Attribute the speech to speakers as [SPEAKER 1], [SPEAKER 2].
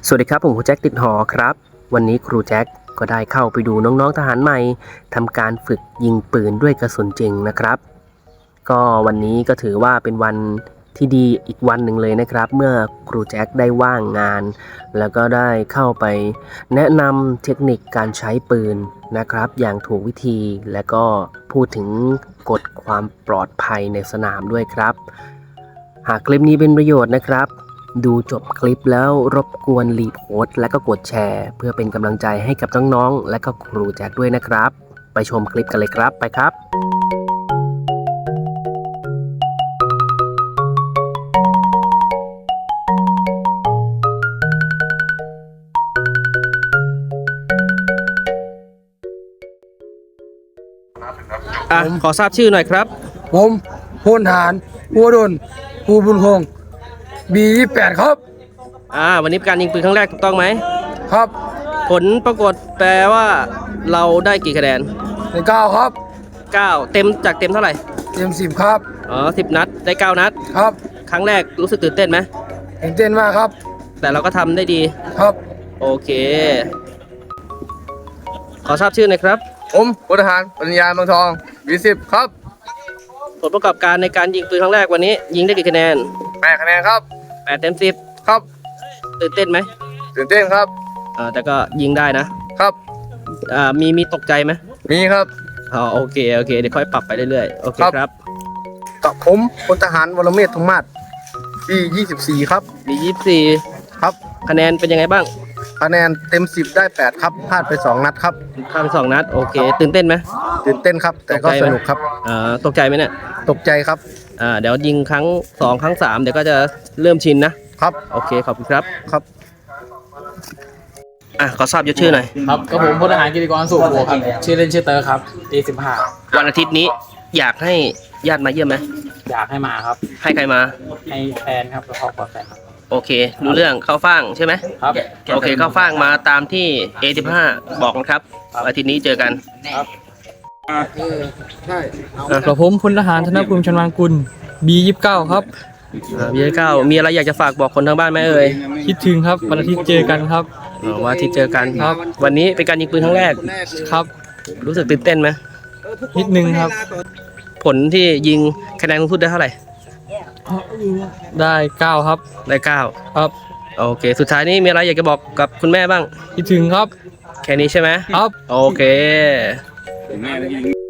[SPEAKER 1] สวัสดีครับผมครูแจ็คติดหอครับวันนี้ครูแจ็คก็ได้เข้าไปดูน้องๆทหารใหม่ทำการฝึกยิงปืนด้วยกระสุนจริงนะครับก็วันนี้ก็ถือว่าเป็นวันที่ดีอีกวันหนึ่งเลยนะครับเมื่อครูแจ็คได้ว่างงานแล้วก็ได้เข้าไปแนะนำเทคนิคการใช้ปืนนะครับอย่างถูกวิธีและก็พูดถึงกฎความปลอดภัยในสนามด้วยครับหากคลิปนี้เป็นประโยชน์นะครับดูจบคลิปแล้วรบกวนรีโพสต์และก็กดแชร์เพื่อเป็นกำลังใจให้กับน้องๆและก็ครูแจ็คด้วยนะครับไปชมคลิปกันเลยครับไปครับขอทราบชื่อหน่อยครับ
[SPEAKER 2] ผมพลทหารภูวดลภูบุญคงB28ครับ
[SPEAKER 1] วันนี้เป็นการยิงปืนครั้งแรกถูกต้องไหม
[SPEAKER 2] ครับ
[SPEAKER 1] ผลปรากฏแปลว่าเราได้กี่คะแนน
[SPEAKER 2] ได้9ครับ
[SPEAKER 1] 9เต็มจากเต็มเท่าไหร่
[SPEAKER 2] เต็ม10ครับ
[SPEAKER 1] 10 นัดได้9นัด
[SPEAKER 2] ครับ
[SPEAKER 1] ครั้งแรกรู้สึกตื่นเต้นไหม
[SPEAKER 2] ตื่นเต้นมากครับ
[SPEAKER 1] แต่เราก็ทำได้ดี
[SPEAKER 2] ครับ
[SPEAKER 1] โอเคขอทราบชื่อหน่อยครับ
[SPEAKER 2] ผมพลทหารปริญญาเมืองทองB10ครับ
[SPEAKER 1] ผลประกอบการในการยิงปืนครั้งแรกวันนี้ยิงได้กี่คะแนน
[SPEAKER 2] 8คะแนนครับ
[SPEAKER 1] 8เต็ม10
[SPEAKER 2] ครับ
[SPEAKER 1] ตื่นเต้นไหม
[SPEAKER 2] ตื่นเต้นครับ
[SPEAKER 1] แต่ก็ยิงได้นะครับมีตกใจไหม
[SPEAKER 2] มีครับ
[SPEAKER 1] โอเคเดี๋ยวค่อยปรับไปเรื่อยๆโอเคครับ
[SPEAKER 2] กับผมพลทหารวรเมธธงมาศB24ครับ
[SPEAKER 1] 24
[SPEAKER 2] ครับ
[SPEAKER 1] คะแนนเป็นยังไงบ้าง
[SPEAKER 2] คะแนนเต็ม10ได้8ครับพลาดไป2นัดครับ
[SPEAKER 1] พลาดไป2นัดโอเคตื่นเต้นไหม
[SPEAKER 2] ตื่นเต้นครับแต่ก็สนุกครับ
[SPEAKER 1] ตกใจไหมเนี่ย
[SPEAKER 2] ตกใจครับ
[SPEAKER 1] เดี๋ยวยิงครั้ง2ครั้ง3เดี๋ยวก็จะเริ่มชินนะครับโอเคขอบคุณครับ
[SPEAKER 2] ครับ
[SPEAKER 1] ขอทราบชื่อหน่อย
[SPEAKER 3] ครับก็ผมพลทหารกิติกรสุขโบครับชื่อเล่นชื่อเตอร์ครับD15
[SPEAKER 1] วันอาทิตย์นี้อยากให้ญาติมาเยี่ยมไหม
[SPEAKER 3] อยากให้มาครับ
[SPEAKER 1] ให้ใครมา
[SPEAKER 3] ให้แฟนครับแล้วครอบครัวแฟนครับ
[SPEAKER 1] โอเครู้เรื่องเข้าฟ่างใช่ไหม
[SPEAKER 3] ครับ
[SPEAKER 1] โอเคเข้าฟ่างมาตามที่ A15 บอกนะครับอาทิตย์นี้เจอกัน
[SPEAKER 3] ครับ
[SPEAKER 2] ใช่
[SPEAKER 4] กับผมพลทหารธนภูมิชนวางกุล B29 ครับ
[SPEAKER 1] B29มีอะไรอยากจะฝากบอกคนทางบ้านไหมเอ่ย
[SPEAKER 4] คิดถึงครับวันอาทิตย์เจอกันครับ
[SPEAKER 1] วันอาทิตย์เจอกัน
[SPEAKER 4] ครับ
[SPEAKER 1] วันนี้เป็นการยิงปืนครั้งแรก
[SPEAKER 4] ครับ
[SPEAKER 1] รู้สึกตื่นเต้นไหม
[SPEAKER 4] นิดนึงครับ
[SPEAKER 1] ผลที่ยิงคะแนนสูงสุดได้เท่าไหร่
[SPEAKER 4] ได้9ครับ
[SPEAKER 1] ได้9
[SPEAKER 4] ครับ
[SPEAKER 1] โอเคสุดท้ายนี้มีอะไรอยากจะบอกกับคุณแม่บ้าง
[SPEAKER 4] คิดถึงครับ
[SPEAKER 1] แค่นี้ใช่ไหม
[SPEAKER 4] ครับ
[SPEAKER 1] โอเค